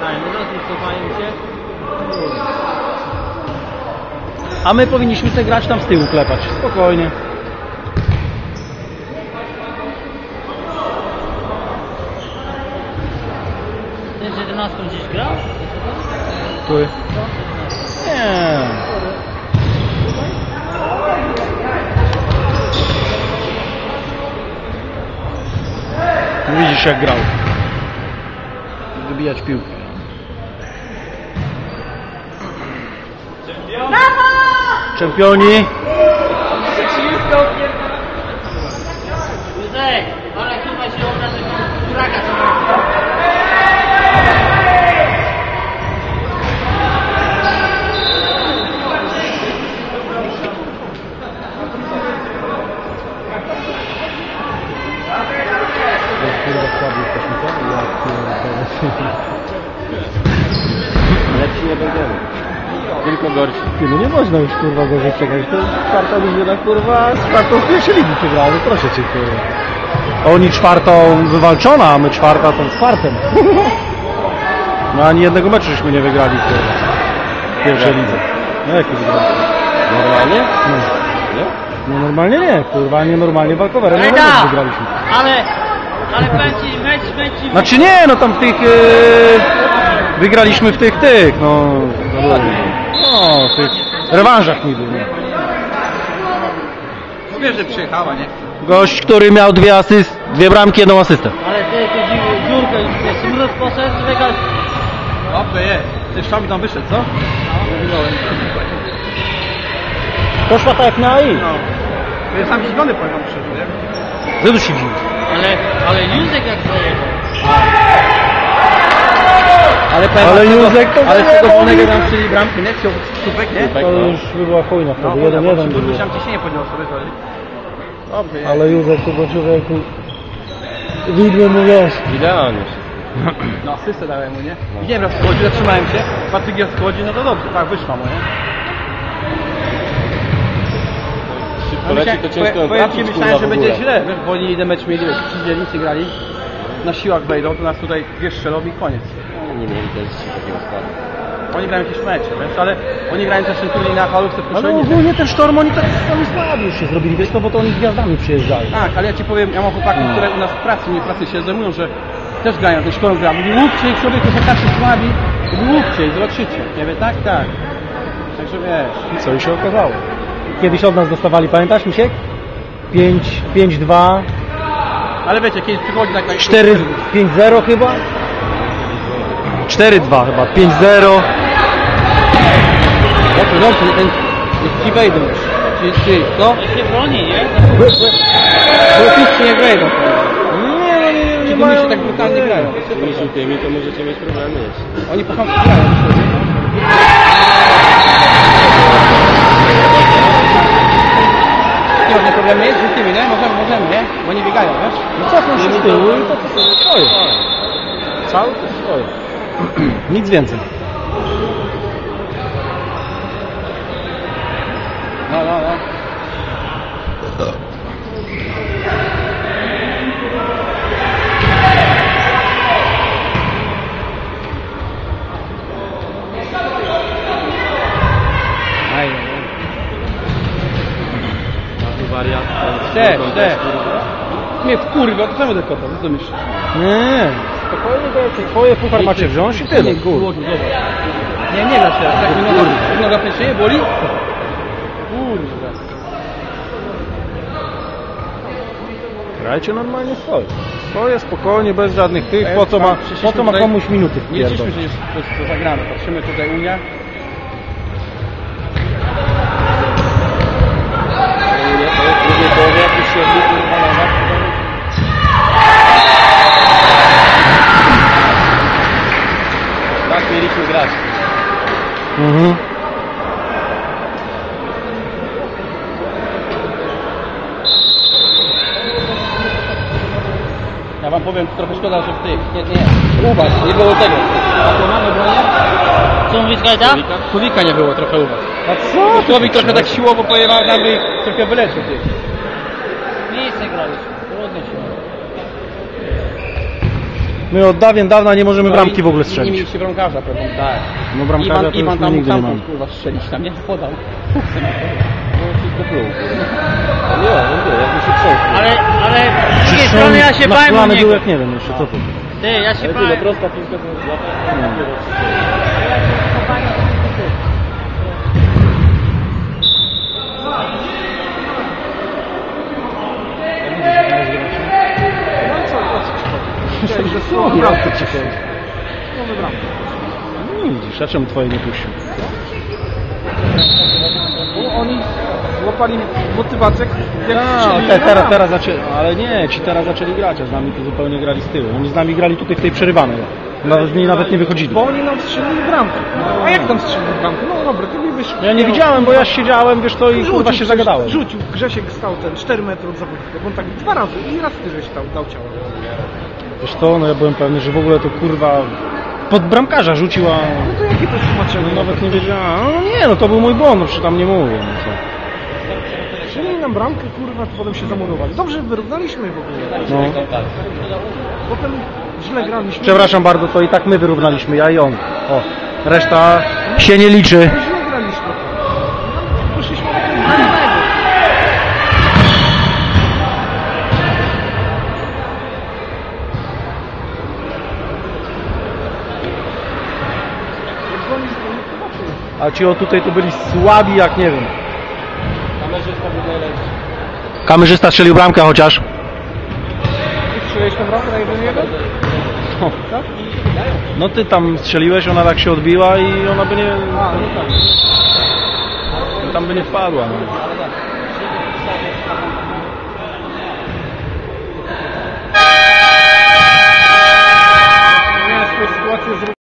A my powinniśmy sobie grać tam z tyłu klepać. Spokojnie. Ten 11 gdzieś grał? Tu. Nie. Widzisz jak grał. Wybijać piłkę. Czempioni. Józek, ale chyba się obrażę kuraka co Lepsi nie będziemy. Tylko gorsi. No nie można już kurwa gorzej przegrać. To czwarta drużyna kurwa z czwartą w pierwszej ligi przegrała. No proszę cię kurwa. Oni czwartą wywalczona, a my czwarta tą czwartym. No ani jednego meczu żeśmy nie wygrali kurwa. W pierwszej lidze. No jak wygrali? Normalnie? No. Nie? No normalnie nie, kurwa, nie normalnie walkowerem no, wygraliśmy. Ale powiem ci, mecz... Znaczy nie, no tam w tych... wygraliśmy w tych, no... No, w tych rewanżach niby, nie? Wiesz, że przyjechała, nie? Gość, który miał dwie bramki, jedną asystę. Ale ty dziurkę już jest, minut poszedł, wygrać. Dobrze jest. Ty szami tam wyszedł, co? Poszła tak jak miała i. No. Ja sam zdziwiony powiem wam szczerze, nie? Zresztą się dziwi. Ale Józek jak zajebał. Ale Józek to ale z tego wolnego tam strzeli bramki, nie? Chciał słupek, nie? To już by była chujna wtedy, 1-1 by było. Tam ciśnienie podniosło, wiesz, dobrze jest. Ale Józek to do człowieku... Widłem mu wiesz. Idealnie. No asystę dałem mu, nie? Widziałem raz schodzi, zatrzymałem się, Patryk raz schodzi, no to dobrze, tak wyszła mu, nie? Powiem ci, myślałem, że będzie źle, wiesz, bo oni jeden mecz mieli, wiesz, 3 dzielnicy grali, na siłach wejdą, to nas tutaj wiesz, strzelą i koniec. Nie mieli też takiego składu. Oni grają jakieś mecze, wiesz, ale oni grają też ten turniej na halówce w Ale ogólnie ten Sztorm, oni słabi już się zrobili, wiesz, no bo to oni z gwiazdami przyjeżdżają. Tak, ale ja ci powiem, ja mam chłopaków, które u nas w pracy, nie w pracy się zajmują, że też grają, ten Sztorm gra. Mówi, łupcie ich sobie, to chłopacy słabi, łupcie ich, zobaczycie. Ja mówię, tak, tak. Także wiesz. I co i się okazało. Kiedyś od nas dostawali, pamiętasz, Misiek? 5-2. Ale wiecie, kiedyś przychodzi tak... 4-5-0 chyba? 4-2 chyba, 5-0. No to ten ci wejdą już. Czyli co? To się broni, nie? Bo nie wejdą. Nie Ci się tak brutalnie grają. Z tymi to możecie mieć problemy jeszcze. Oni po chamsku grają. Nie problemy jest z tymi, nie? Możemy, nie? Bo oni biegają, wiesz? No cofną się z tyłu i to stoją. Cały to stoją. Nic więcej. No. Wariat. Te. Mnie wkurwa, to samo tylko to, co myślisz? Nie. Spokojnie, twoje puchar macie wziąć i tyle. Nie da się, tak mi noga pęcznieje, boli? Kurwa. Grajcie normalnie swoje spokojnie, bez żadnych tych, po co ma komuś minuty Nie liczyliśmy, wpierdolić. że jest to zagrane, patrzymy tutaj Unia. W drugiej połowie jak już się odbył tak mieliśmy grać. Mhm. Ja wam powiem, trochę szkoda, że w tych, nie, u was nie było tego. A to mamy bronię? Co mówisz, Gajda? Słowika nie było trochę u was. A co? Słowik trochę tak siłowo pojechał, nam by trochę wyleczył tych. Miejsce graliśmy, trudno się. My od dawien dawna nie możemy bramki w ogóle Nie strzelić. mieliście bramkarza pewnie. Tak. No bramkarza to już Iwan my tam nigdy nie mógł mamy. tam kurwa strzelić, tam nie podał. Wszystko pluł. Nie, jakby się trząsł. Ale z drugiej strony ja się bałem o Nakulany był niego. jak nie wiem jeszcze, co to. Ty, ja się Ale bałem. tyle, prosta piłka to lata. Myślałem, że słowo bramkę przychodzi. No widzisz, a czemu twoje nie puścił? Oni złapali motywację, jak Teraz zaczęli, ale nie, ci teraz zaczęli grać, a z nami to zupełnie grali z tyłu. Oni z nami grali tutaj w tej przerywanej. Nawet nie wychodzili. Bo oni nam strzelili bramkę. A jak tam strzelili bramkę? No dobra, ty mi wyszło. Ja nie widziałem, bo ja siedziałem, wiesz to i kurwa się zagadałem. Rzucił, Grzesiek stał ten 4 metry od zawodnika, bo on tak 2 razy i raz ty żeś dał ciało. Wiesz to, no ja byłem pewny, że w ogóle to kurwa pod bramkarza rzucił, a No to jakie to jest tłumaczenie? no, nawet nie wiedziałem. No nie, no to był mój błąd, no przecież tam nie mówię. No co. Strzelili nam bramkę, kurwa, potem się zamurowali. Dobrze, wyrównaliśmy w ogóle. No. Potem źle graliśmy. Przepraszam bardzo, to i tak my wyrównaliśmy, ja i on. O, reszta się nie liczy. Źle graliśmy. Poszliśmy do tego. A ci o tutaj tu byli słabi jak nie wiem. Kamerzysta strzelił bramkę chociaż. Strzeliłeś tę bramkę na 1-1? No ty tam strzeliłeś, ona tak się odbiła i ona by nie... A, no tak. Tam by nie wpadła. No. Miałem swoją sytuację z